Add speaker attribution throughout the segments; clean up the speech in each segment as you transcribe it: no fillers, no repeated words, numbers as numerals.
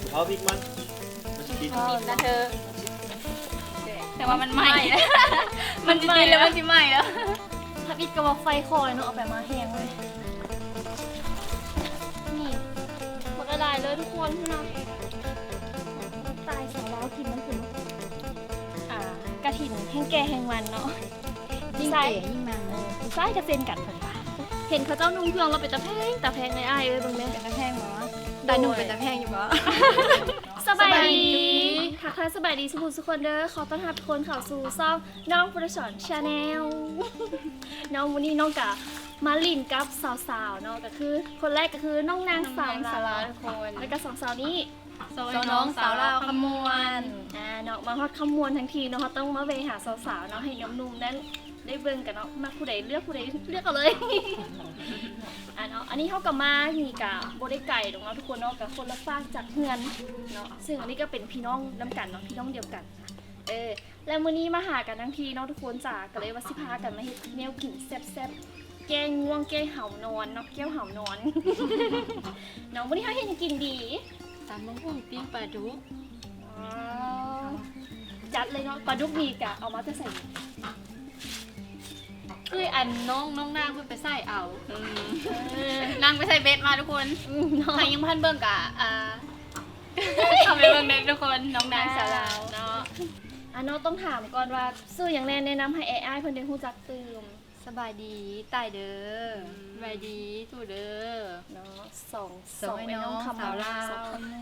Speaker 1: เอาพริกมันกิน
Speaker 2: นะเธอแต่ว่ามันไหม้มันจะกินแล้วมันจะไหม้แล้ว
Speaker 3: ถ้าปิดกระบอกไฟคอยเนาะเอาไปมาแห้งเลยนี่มันก็ได้เลยทุกคนพี่น้องตายสาวเรากินมันถึงกระถิ่นแห้งแก่แห้งมันเนาะ
Speaker 2: ยิ่งเก๋ยิ่งมัน
Speaker 3: ใส่กระเซ็นกันเพิ่นว่าเห็นเขาเจ้านุ่งเครื่องเราเป็นตะแพงในอ้ายเอ้ยเบิ่งแม่
Speaker 2: เป็นตะแพงหรอแต่หนูเป็นตะแพงอยู่บ่
Speaker 3: สบายดีค่ะสบายดีทุกคนเด้อขอต้อนรับทุกคนเข้าสู่ช่องน้องโปรดักชั่นชาแนลน้องวันนี้น้องกะมาลินกับสาวๆเนาะก็คือคนแรกก็คือน้องนางสาวลาวทุกคนแล้วก็สองสาวนี้
Speaker 2: น้องสาวลาวขมวน
Speaker 3: เนาะมาฮอดขมวนทั้งทีเนาะต้องมาเวหาสาวๆเนาะให้นุ่มๆนั้นได้เบิ่งกันเนาะมาผู้ใดเลือกผู้ใดเลือกเอาเลยเนาะอันนี้เขากับมามีกับโบได้ไก่ตรงเนาะทุกคนเนาะกับคนละฝากจากเฮือนเนาะซึ่งอันนี้ก็เป็นพี่น้องน้ำกันเนาะพี่น้องเดียวกันแล้วมื้อนี้มาหากันทั้งทีเนาะทุกคนจ๋าก็เลยว่าสิพากันมาเฮ็ดแนวกินแซ่บๆแกงง่วงแกงเห่านอนเนาะแก้วเห่านอนเนาะมื้อนี้เฮาเฮ็ดกินดี
Speaker 2: ตำบักหุ่งปิ้งปลาดุก
Speaker 3: จัดเลยเนาะปลาดุกนี่กะเอามาจะใส่
Speaker 2: คืออันน้องนางเพิ่นไปใส่เอานางไปใส่เบ็ดมาทุกคนใครยังพันเบิ่งกะทำไปเบิ่งเด็กทุกคนน้องนางสาวลาวเนาะ
Speaker 3: เนาะต้องถามก่อนว่าซื้ออย่างแนะนำให้อ้ายเพิ่นได้ฮู้จักตื่ม
Speaker 2: สบายดีตายเด้อสบายดีสู้เด้อ
Speaker 3: เนาะสองไอ้น้องคำสาวลาว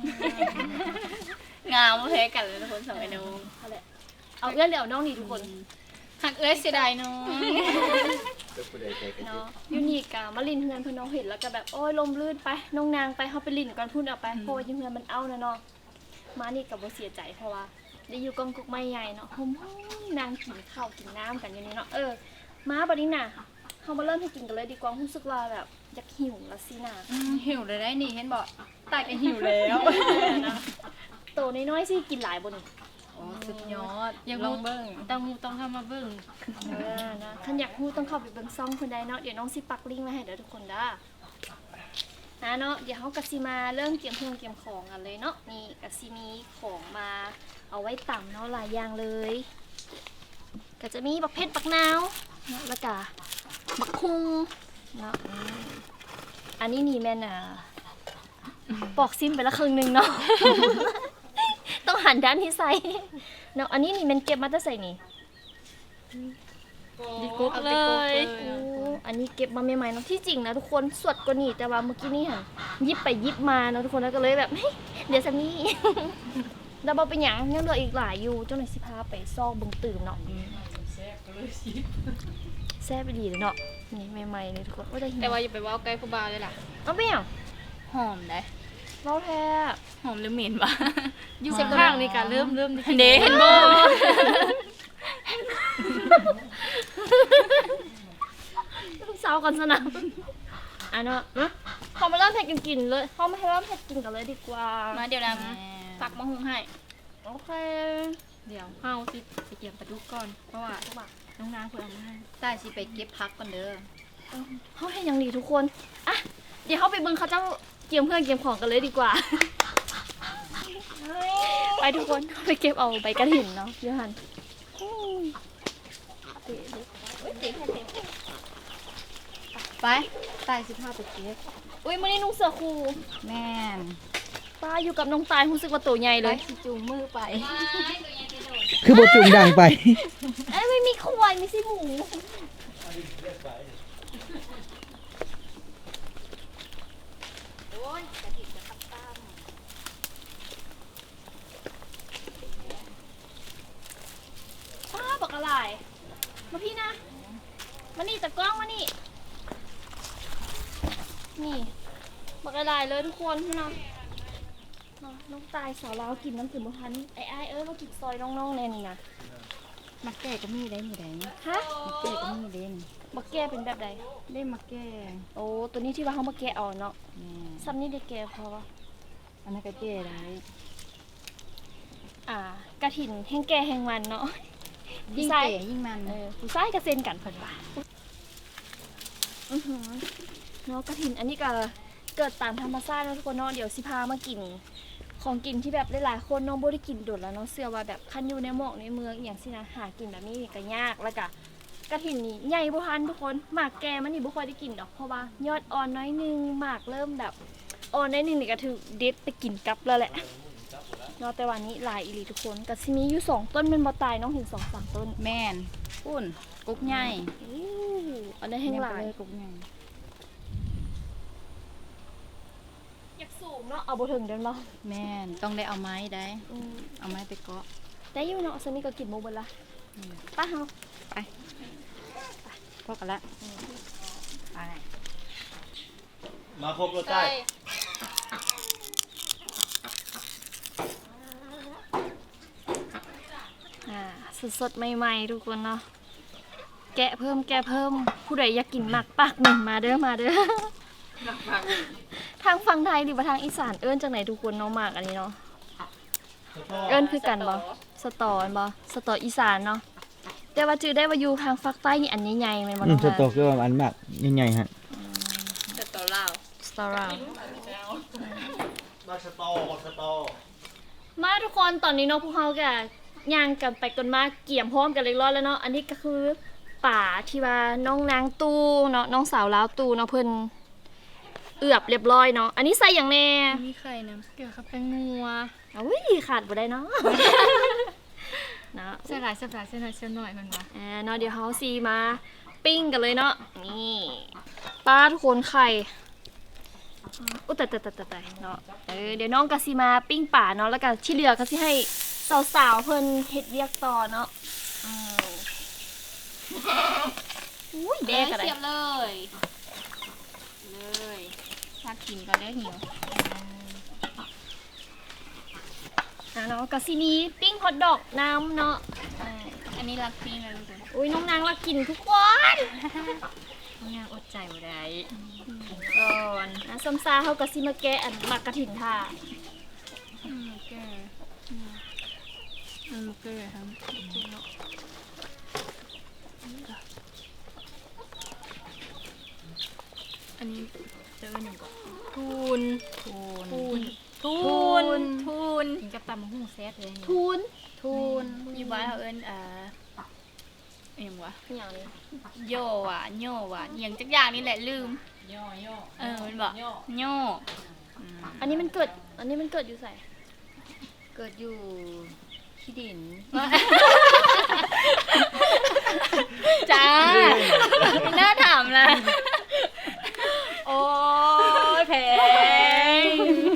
Speaker 2: งามแพ้กันเลยทุกคนสองไอ้น้อง
Speaker 3: เอาเอื้อนเดี๋ยวน้องนี่ทุกคน
Speaker 2: หักเอ้ยเสียดายน้อง
Speaker 3: เนาะยูนิคอะมาลินเฮือนเพื่อนน้องเห็นแล้วก็แบบโอ้ยลมลื่นไปน้องนางไปเขาไปลินก่อนพูดเอาไปเพราะว่าเฮือนมันเอานะเนาะมานี่กับว่าเสียใจเพราะว่าได้อยู่กองกุกไม้ใหญ่เนาะหอมนางกินข้าวกินน้ำกันอย่างนี้เนาะมาบัดนี้น่ะเขามาเริ่มให้กินกันเลยดีกว่ารู้สึกว่าแบบอยากหิวละสิน่ะ
Speaker 2: หิวเลยได้นี่เห็นบอกตายกันหิวแล้ว
Speaker 3: โตน้อยๆสิกินหลายบน
Speaker 2: สุดยอดยังลองเบิ้งต้องเข้ามาเบิ้ง
Speaker 3: นะท่านอยากพูดต้องเข้าไปเบิ้งซ่องคนใดเนาะเดี๋ยวน้องสิปักลิงก์ไว้ให้เดี๋ยวทุกคนได้เนาะเดี๋ยวเขากะซิมาเริ่มเตรียมของกันเลยเนาะนี่กะซิมีของมาเอาไว้ต่ำเนาะหลายอย่างเลยก็จะมีบักเพชรบักนาวนะแล้วก็บักคุงเนาะอันนี้นี่แม่น่ะปอกซิมไปละครึ่งนึงเนาะต้องหันด้านที่ใส่เนาะอันนี้นี่มันเก็บมาตั้งใส่นี่
Speaker 2: ดีกุ๊กเลย
Speaker 3: อันนี้เก็บมาใหม่ๆเนาะที่จริงนะทุกคนสวดกว่านี่แต่ว่าเมื่อกี้นี่หันยิบไปยิบมาเนาะทุกคนแล้วก็เลยแบบเดี๋ยวสักนี้ดับเบิลเป็นอย่างยังเหลืออีกหลายอยู่เจ้าหน่อยสิพาไปซอกบึงตื่มเนาะแซ่บไปดีเลยเนาะนี่ใหม่ๆเลยทุกคน
Speaker 2: แต่ว่าอย่าไปว่าใกล้ผู้บ่าวเลยล่ะ
Speaker 3: เอาไปอย่าง
Speaker 2: หอมได้
Speaker 3: เล่าแท้
Speaker 2: หอมหรือเหม็นวะ
Speaker 3: อยู่ข้างๆนี่กันเริ่ม
Speaker 2: เดเห็นโบ
Speaker 3: ลูกสาวก่อนสนะเนาะเขามาเริ่มเผ็ดกินเลยเขาไม่ให้เริ่มเผ็ดกินกันเลยดีกว่า
Speaker 2: มาเดี๋ยวนะตักมะฮุงให้
Speaker 3: โอเค
Speaker 2: เดี๋ยวเฮาสิไปเก็บปลาดุกก่อนเพราะว่าน้องนางเพิ่นเอามาให้ใต้สิไปเก็บพักก่อนเด้อ
Speaker 3: เขาให้อย่างดีทุกคนอ่ะเดี๋ยวเขาไปเบิ่งเขาเจ้าเกี่ยมเพื่อนเกี่ยมของกันเลยดีกว่าไปทุกคนไปเก็บเอาใบกระถิ่นเนาะเดี๋ยวหัน
Speaker 2: ไปตาย15ไปเก็บ
Speaker 3: อุ้ยมื้อนี้นุ่งเสื้อครู
Speaker 2: แม่น
Speaker 3: ป้าอยู่กับน้องตายรู้สึกว่าตัวใหญ่เลย
Speaker 2: จูงมือไป
Speaker 1: คือโบจุงดังไป
Speaker 3: ไม่มีควายมีสิหมูบอกอะไรมาพี่นะมานี่ตะกล้องมานี่บอกอะไรเลยทุกคนพี่น้องน้องตายสาวลาวกินน้ำถึงบุพันไอ้มากินซอยน้องๆแน่นี่นะ
Speaker 2: มักแก่ก็มีได้มีได้
Speaker 3: ฮะ
Speaker 2: มักแก่ก็มีเด่น
Speaker 3: มักแก่เป็นแบบใด
Speaker 2: ได้มักแก่
Speaker 3: โอ้ตัวนี้ที่ว่าเขามาแก่เอาเนาะซ้ำนี่ได้แก่พอวะ
Speaker 2: อันนั้นก็แก่ได้
Speaker 3: กระถิ่นแห้งแก่แห้งมันเนาะ
Speaker 2: ยิ่งแก่ยิ่งมัน
Speaker 3: ผู้ชายกระเซ็นกันเพิ่นว่าเนาะกระถิ่นอันนี้ก็เกิดตามธรรมชาตินะทุกคนเนาะเดี๋ยวสิพามากินของกินที่แบบหลายๆคนน้องบ่ได้กินโดดแล้วเนาะเชื่อว่าแบบคันอยู่ในหมอกในเมืองอหย่างสินะหากินแบบนี้นี่ก็ยากแล้วก็กระถิ่นนี่ใหญ่บ่ทันทุกคนหมากแก่มันนี่บ่ค่อยได้กินดอกเพราะว่ายอดอ่อนน้อยนึงหมากเริ่มแบบอ่อนน้อยนึงนี่ก็ถือเด็ดไปกินกลับแล้วแหละเนาะแต่วันนี้หลายอีหลีทุกคนก็สิมีอยู่2ต้นมันบ่ตายน้องเห็น2-3ต้น
Speaker 2: แม่นปุ้นกุ๊กใหญ่
Speaker 3: อู้อันนั้นแห้งหลาย
Speaker 2: กุ๊กใหญ่
Speaker 3: อยากสูงเนาะเอาบ่ถึงเดินบ่
Speaker 2: แม่นต้องได้เอาไม้ได้เอาไม้ไปเกาะ
Speaker 3: ได้อยู่เนาะซันนี่ก็กินหมูเบิดละไป้าเฮา
Speaker 2: พอกันละไป
Speaker 1: มาครบรถใต้
Speaker 3: สดๆใหม่ๆทุกคนเนาะแกะเพิ่มผู้ใดอยากกินหมักปักหนึ่งมาเด้อทางฝั่งไทยหรือว่าทางอีสานเอิ้นจังไหนทุกคนเนาะหมากอันนี้เนาะเอิ้นคือกันบ่สตอบ่สตออีสานเนาะแต่ว่าจื้อได้ว่าอยู่ทางฝั่งใต้นี่อันใหญ่ๆแม่นบ่
Speaker 1: ส
Speaker 3: เนาะ
Speaker 1: ตอคือว่าอันมากใหญ่ๆฮะ
Speaker 2: สตอลาว
Speaker 3: สตอราว
Speaker 1: มาสตอ
Speaker 3: มาทุกคนตอนนี้เนาะพวกเราก็ย่างกันไปกันมาเกี่ยมพร้อมกันเรียบร้อยแล้วเนาะอันนี้ก็คือป่าที่ว่าน้องนางตู้เนาะน้องสาวลาวตู้เนาะเพิ่นเอือบเรียบร้อยเนาะอันนี้ใส่อย่างแน่
Speaker 2: มีไข่น้ำเกลือกับแป้งนัว
Speaker 3: อุ้ยขาดบ่ได้เนาะ เนาะ
Speaker 2: ใส่หลายสับหลายเส้นหน่อยเส้นหน่อยมันวะ
Speaker 3: เนาะเดี๋ยวเฮาซีมาปิ้งกันเลยเนาะนี่ป้าทุกคนไข่อุ๊ยแต่เนาะเดี๋ยวน้องก็สิมาปิ้งป่าเนาะแล้วก็ที่เหลือก็สิให้สาวๆเพิ่นเฮ็ดเวียกต่อเนาะอุ้ยแดกอะไร
Speaker 2: เสียบเลยถ้ากินก็ได้หิว
Speaker 3: เนาะก็สิมีปิ้งฮอทดอกน้ำเนาะ
Speaker 2: อันนี้รักปิ้งเลยทุกคน
Speaker 3: อุ้ยน้องนางรักกินทุกคน
Speaker 2: น้องนางอดใจบ่ได้
Speaker 3: ก่อนนะซ้ำซาเฮาก็สิมาแกะอันหมักกระถิ่นท่า
Speaker 2: แก่แก่ครับอันนี้เจอหนึ่งก่อนทูนกินกับตำมะฮุ่งแซ่บเลย
Speaker 3: ทูน
Speaker 2: อยู่บ้านเขาเอิ้นเอ็มวะ
Speaker 3: อย่างนี้
Speaker 2: โย่ว่ะโย่ว่ะอย่างจักอย่างนี่แหละลืมมันบอกโย่
Speaker 3: อันนี้มันเกิดอยู่ใส่
Speaker 2: เกิดอยู่ที่ดินจ้าไม่น่าถามเลยโอ้ยแพง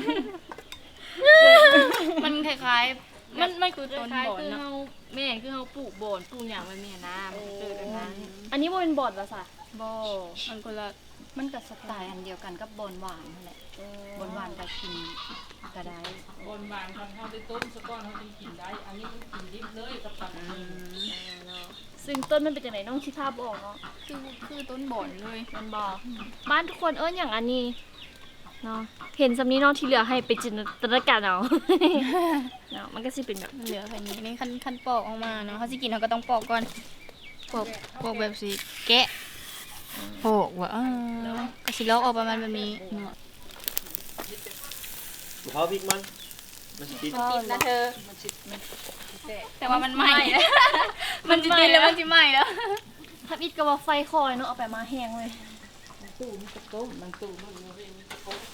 Speaker 2: มันคล้ายๆมันคือต้นบ่อนเนาะ
Speaker 4: แม่คือเฮาปลูกบ่อนปลูกหยังไว้แม่นะมันเกิดอันนั้น
Speaker 3: อันนี้บ่เป็นบอดว่าซะ
Speaker 2: บ่มันคนละมันกับสไตล์อันเดียวกันกับบอนหวานนั่นแหละบอนหวานก็กินก็ได้
Speaker 4: บ่อนบานคันเฮาได้ต้มซะก่อนเฮาจึงกินได้ อันนี้มันกินดิบเลยกับตับอันนี้
Speaker 3: ซึ่งต้นมันเป็นจังไดน้องคิดภาพบ่ออกเนาะ
Speaker 2: คือต้นบ่อนเลย
Speaker 3: มันบ่บ้านทุกคนเอิ้นอย่างอันนี้เนาะเห็นสำนี้เนาะที่เหลือให้ไปจินตนาการเอา เนาะมันก็สิเป็นแบบ
Speaker 2: เหลือแค่นี้นี่ขั้นปอกออกมาเนาะเขาสิกินเขาก็ต้องปอกก่อนปอกแบบสิแกะปอกว่าก็สิลอกออกประมาณแบบนี้เนาะ
Speaker 1: เขาพริกมันสิติด
Speaker 2: ติดนะเธอแต่ว่ามันไหม้แล้วมันจะติดแล้วมันจะไหม้แล้ว
Speaker 3: ถ้าอิดก็ว่าไฟคอยเนาะเอาไปมาแห้งเลย
Speaker 4: ตู้มันก็ต้มบางตู้มันบ่มีมันก็ต้ม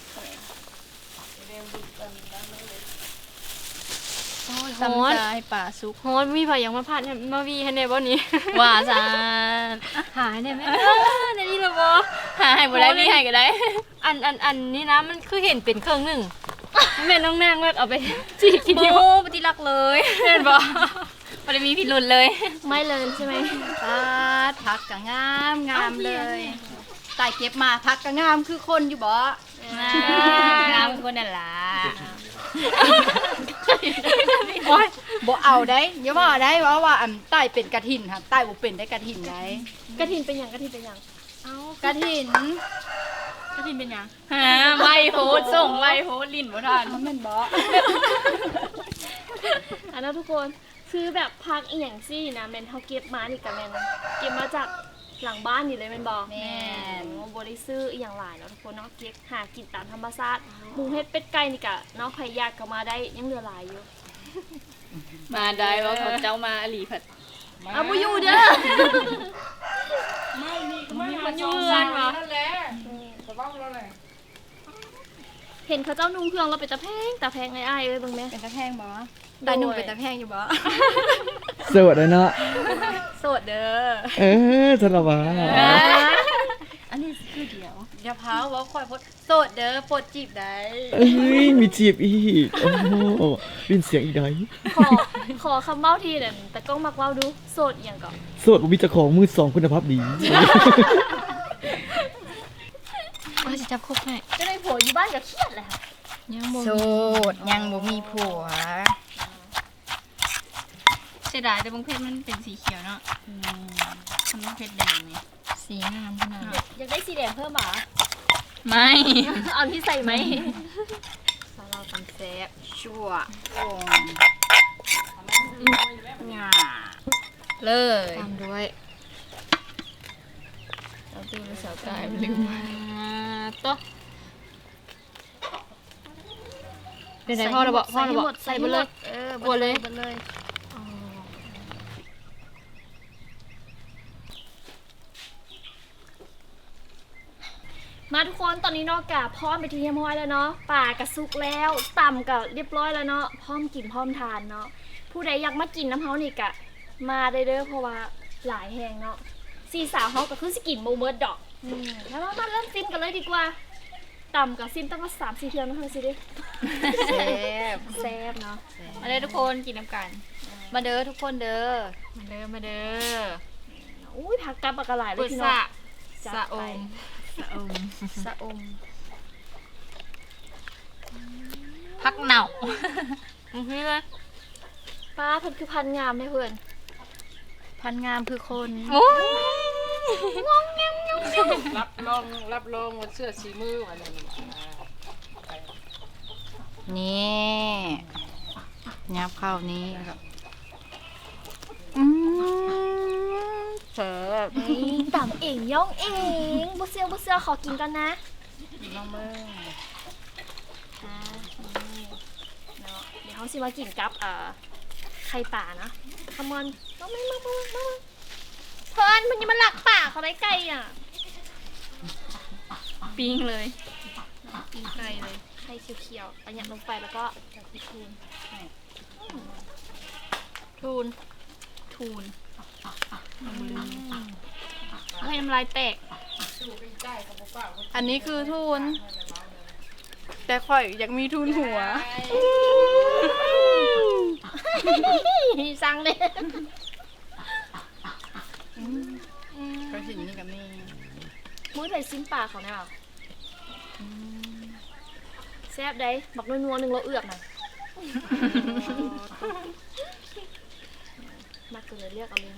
Speaker 2: ตำใจป่าซุก
Speaker 3: โหมีไผยังมาผ่านมาวีให้แน่บ่นี้
Speaker 2: ว่าซะ
Speaker 3: หายได้ไหมในนี้ละบ่
Speaker 2: หาให้บ่ได้มีให้ก็ได้
Speaker 3: อันนี้นะมันคือเห็นเป็นเครื่องหนึงแม่น้องนางว่าเอาไปจีกิน
Speaker 2: โอ้
Speaker 3: อยู่
Speaker 2: ปฏิรักเลย
Speaker 3: เห็นบ่
Speaker 2: บ่ได้มีพิรุธเลย
Speaker 3: ไม่เลยใช่ไหม
Speaker 2: ผักก็งามเลยตายเก็บมาผักก็งามคือคนอยู่บ่งามคือคนนั่นล่ะ
Speaker 5: โอ้ยบ่เอาได้อย่าว่าได้ว่าอันใต้เป็นกระถินค่ะใต้บ่เป็นได้กระถินได้
Speaker 3: กระถินเป็นหยังกระถินเป็นหยัง
Speaker 5: กระถิน
Speaker 3: กระถินเป็นหยัง
Speaker 2: หาไวโพดส่งไวโพดลิ้นบ่ทัน
Speaker 5: มันแม่นบ่
Speaker 3: อันนั้นทุกคนคือแบบพักอีหยังซี่นะแม่นเฮาเก็บมานี่ก็แม่นเก็บมาจากหลังบ้านนี่เลยแม่นบ่
Speaker 5: แม่น
Speaker 3: บ่ได้ซื้ออีหยังหลายเนาะทุกคนเนาะเก็บหากินตามธรรมชาติหมูเฮ็ดเป็ดไก่นี่ก็เนาะใครอยากก็มาได้ยังเหลือหลายอยู่
Speaker 2: มาได้ว่าเขาเจ้ามาอหลีผัด
Speaker 3: เอาบ่อยู่เด้อ
Speaker 4: ไม่นี่ก็ไม่
Speaker 2: มันอยู่เรือนวะ
Speaker 4: นั่นแหละสบายแล้วแหละ
Speaker 3: เห็นเขาเจ้านุ่งเครื่องแล้วเป็นตาแพงอ้ายๆเอ้ยเบิ่งแม่
Speaker 5: เป็นตะแพงบ่ได้หนุ่มเป็นตะแพงอยู่บ่
Speaker 1: สวัสดีเนาะ
Speaker 5: โสดเด้อ
Speaker 1: สารวัตร
Speaker 5: อันนี้คือเดียวอย่าพาว่าข่อยพดโสดเด้อปลดจีบได้
Speaker 1: เอ้ยมีจีบอีกโอ้โหเป็นเสียงอีกได้
Speaker 3: ขอคำเว้าทีนั่นแต่กล้องมักเว้าดูโสดอีหยังก่อน
Speaker 1: โสดบ่มีเจ้าของมือสองคุณภาพดี
Speaker 2: ว่าจะจับคุกให้
Speaker 3: จะได้ผัวอยู่บ้านก็เครียดแหละค่ะ
Speaker 2: ยังบ่
Speaker 5: โสดยังบ่มีผัว
Speaker 2: เสียดายแต่บางเพชรมันเป็นสีเขียวเนาะทำบางเพชรแดงนี่
Speaker 5: สีงามขนาด
Speaker 3: อยากได้สีแดงเพิ่มหรอ
Speaker 2: ไม่
Speaker 3: เอาที่ใส่ไหม
Speaker 5: สาวเราตำแซ่บชั่วโอ่งงาเลย
Speaker 2: ตามด้วยเอาตัวไปสาวกายมันลืมมาโต๊ะเดี๋ยวไหนพ่อเราบอกพ่อเราบอกใส่ไปเลย บัวเลย
Speaker 3: บัวเลยมาทุกคนตอนนี้เนอกกะพร้อมไปที่เรียบร้อยแล้วเนาะป่ากระซุกแล้วต่ำก็เรียบร้อยแล้วเนาะพร้อมกินพร้อมทานเนาะผู้ใดอยากมากินน้ำเฮานี่กะมาได้เด้อเพราะว่าหลายแหงเนาะสี่สาวเฮาก็คือสกินโมเบิร์ดดอกแล้วมาเริ่มซิมกันเลยดีกว่าต่ำกับซิมตั้งแต่3-4เทือนมาเท่าสิเด้
Speaker 5: แซ่บ
Speaker 3: แซ่บเนาะ
Speaker 2: มาเลยทุกคนกินน้ำกัน
Speaker 5: มาเด้อทุกคนเด้อ
Speaker 2: มาเด้อมาเด้อ
Speaker 3: อุ้ยผักกับปลากระหลายเล
Speaker 2: ปุ
Speaker 3: ยพี่
Speaker 2: ษ
Speaker 3: น้อง
Speaker 2: ะ
Speaker 3: จัด
Speaker 2: สะอ
Speaker 3: ไป
Speaker 2: มสะอม
Speaker 3: สะอม
Speaker 2: พักเหน่าเพื่อน
Speaker 3: ป้าเพิ่นคือพันงามให้เพื่อน
Speaker 5: พันงามคือคน
Speaker 2: โอ้ย
Speaker 4: รับรองว่าเสื้อสีมืออะไรนี่
Speaker 5: นี่ยับเข้านี้ครับเสิร์ฟ
Speaker 3: นี่ต่ำเองย่องเองบุเซียวขอกินกันนะ
Speaker 5: น้องเบิ้ง
Speaker 3: นี่เนาะเดี๋ยวเขาสิมากินกับไข่ป่านะขมอนมาเพิ่นมันยังมาหลักป่าเขาได้ไก่อ่ะ
Speaker 2: ปิ้งเลย
Speaker 3: กินไก่เลยไข่เขียวๆอันนี้ลงไปแล้วก็จะพิทูน
Speaker 2: ทูนทูนให้น้ำลายแตก
Speaker 5: อันนี้คือทุน แต่ข่อยอยากมีทุนหัว
Speaker 3: สั่งเลย
Speaker 5: ก็สิ่งนี้กับนี่
Speaker 3: มื้อไทยซิมป่าเขาเนี่ยแซ่บได้บักนัวๆนึงเราเอือกหน่อยมาเกิดเรียกเอาเลยนะ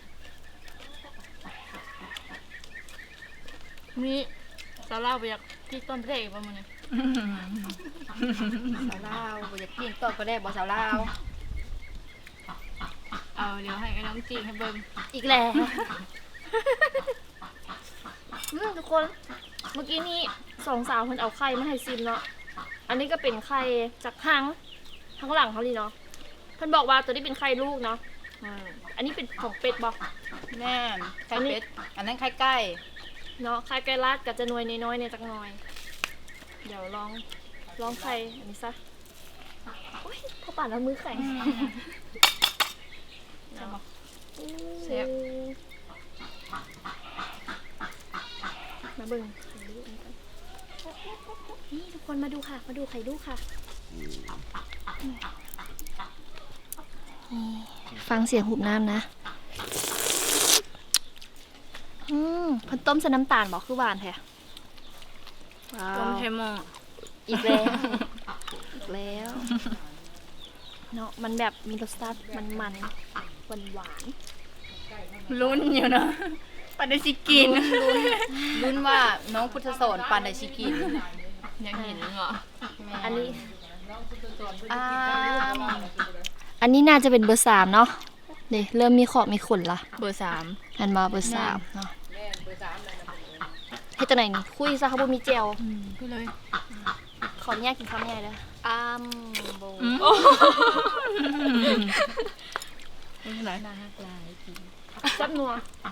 Speaker 2: นี่สาวเล่าไปอยากที่ต้นเพลงประมาณนี้
Speaker 5: สาวลาวบ่อยากกินต้นก็ได้บ่สาวลาว
Speaker 2: เอาเดี๋ยวให้น้องจีให้เบิ่ง
Speaker 3: อีกแล้วทุกคนเมื่อกี้นี้สองสาวคนเอาไข่มาให้ซิมเนาะอันนี้ก็เป็นไข่จากข้างหลังเขาดีเนาะเพิ่นบอกว่าตัวนี้เป็นไข่ลูกเนาะอันนี้เป็นของเป็ดบอก
Speaker 5: แม่นไข่เป็ดอันนั้นไข่ไก่
Speaker 3: เนาะไข่ไก่ลาดกับจะนวยน้อยๆในจักหน่อย เดี๋ยวลองไข่อันนี้ซะโอ๊ยพอป่านแล้วมือแข็ง
Speaker 2: เสียบ
Speaker 3: มาเบิ่งนี่ทุกคนมาดูค่ะ มาดูไข่ลูกค่ะฟังเสียงหุบน้ำนะเพันต้มใส่น้ำตาลบอกคือหวานแท้ว้า
Speaker 2: ต้ม
Speaker 3: ว
Speaker 2: เทมอ
Speaker 3: อีกแล้วอีกแล้วเนาะมันแบบมีรสชาติมันหวาน
Speaker 2: ลุ้นอยู่เนาะปานได้สิกิน
Speaker 5: รุ่นว่าน้องพุทธสอนปันไดชิกิน
Speaker 2: อยากเห็นเหรอ
Speaker 3: อันนี้
Speaker 5: อ้าม
Speaker 3: อันนี้น่าจะเป็นเบอร์3เนาะนี่เริ่มมีขอบมีขนละ
Speaker 2: เบอร์ 3
Speaker 3: อันมาเบอร์3เนาะฮ็ดจังไหนนี่คุยซะเขาบ่มีแจว
Speaker 2: พูดเลย
Speaker 3: ขออนุญาตกินคำใหญ่เลยโบ
Speaker 2: ไม่เป็นไร
Speaker 3: จับนัว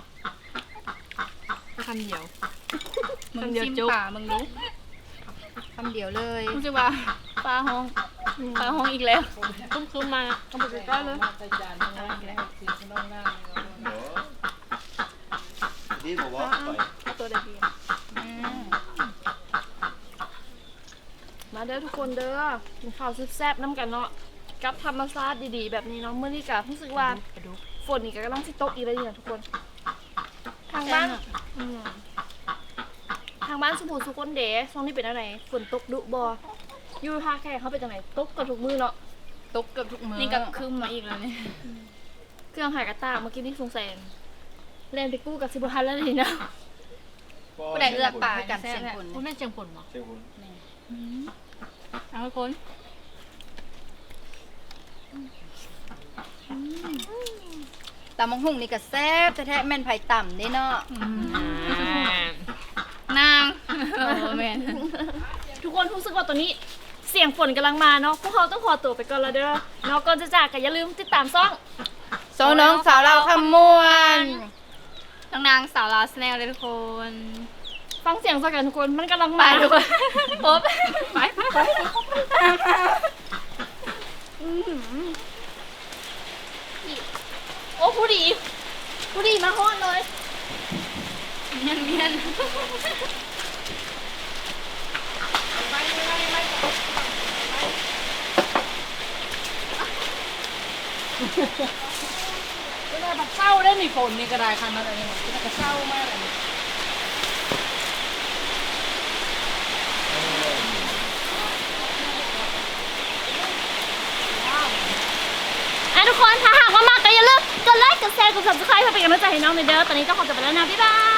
Speaker 5: คำเดียว
Speaker 2: มึงจิ้มป่ามึงรู้
Speaker 5: คำเดียวเลย
Speaker 2: รู้สึกว่าปลาห้องอีกแล้ว
Speaker 3: คุ้มๆมาเอาไปใกล้ๆเลย
Speaker 4: มาใส่จานข้างล่างแล้วสีข้างล่าง
Speaker 1: นี่บอกว่าไป
Speaker 3: เอาตัวใดดีมาเด้อทุกคนเด้อกินข้าวแซ่บๆน้ำกันเนาะกับธรรมชาติดีๆแบบนี้เนาะมื้อนี้ก็รู้สึกว่าฝนนี่ก็กำลังสิตกอีกแล้วนี่นะทุกคนทางบ้านทางบ้านสุภูสุคนเด๋ช่วงนี้เป็นอะไรฝนตกดุบ่อยู่ท่าแค่เขาเป็นจังไหนตกกันทุกมื้อเนาะ
Speaker 5: ตกเกือบทุกมื้อ
Speaker 2: นี่ก็คืมมาอีกแล้วเนี่ย
Speaker 3: เครื่องหายกระตากเมื่อกี้นี่สงสัยเล่นไปกู้กับสิบทันแล้วนี่นะ
Speaker 5: ผู้ใดเลือกป่ากันเสียงคน
Speaker 2: คุณแม่เชียงผลเหรอ
Speaker 1: เจ้าคุณ
Speaker 2: เอาทุกคน
Speaker 5: ตำมังหุ่งนี่ก็แซ่บแท้ๆแม่นไผ่ต่ำเด้เนาะ
Speaker 2: นางแม่น
Speaker 3: ทุกคนรู้สึกว่าตอนนี้เสียงฝนกำลังมาเนาะพวกเขาต้องขอตัวไปก่อนแล้วเด้อเนาะก่อนจะจากก็อย่าลืมติดตามซ่อง
Speaker 5: โซน้องสาวเราคำมวน
Speaker 2: น้องนางสาวลาวสแนลเลยทุกคน
Speaker 3: ฟังเสียงสักกันทุกคนมันกำลัง
Speaker 2: ไป
Speaker 3: มา
Speaker 2: ทุกคนปุ๊บไป
Speaker 3: โอ้ผู้ดีมาฮอดเลย
Speaker 2: เมียน
Speaker 4: ก็ได้บักเศร้าได้มีฝนนี่ก็ได้คันนั้นอะไรนี่มันก็เศร้ามากเลย
Speaker 3: ทุกคนถ้าหากว่ามากก็อย่าลืมกดไลค์กดแชร์กด subscribe เพื่อเป็นกำลังใจให้น้องหน่อยเด้อตอนนี้ต้องขอตัวไปแล้วนะบ๊ายบาย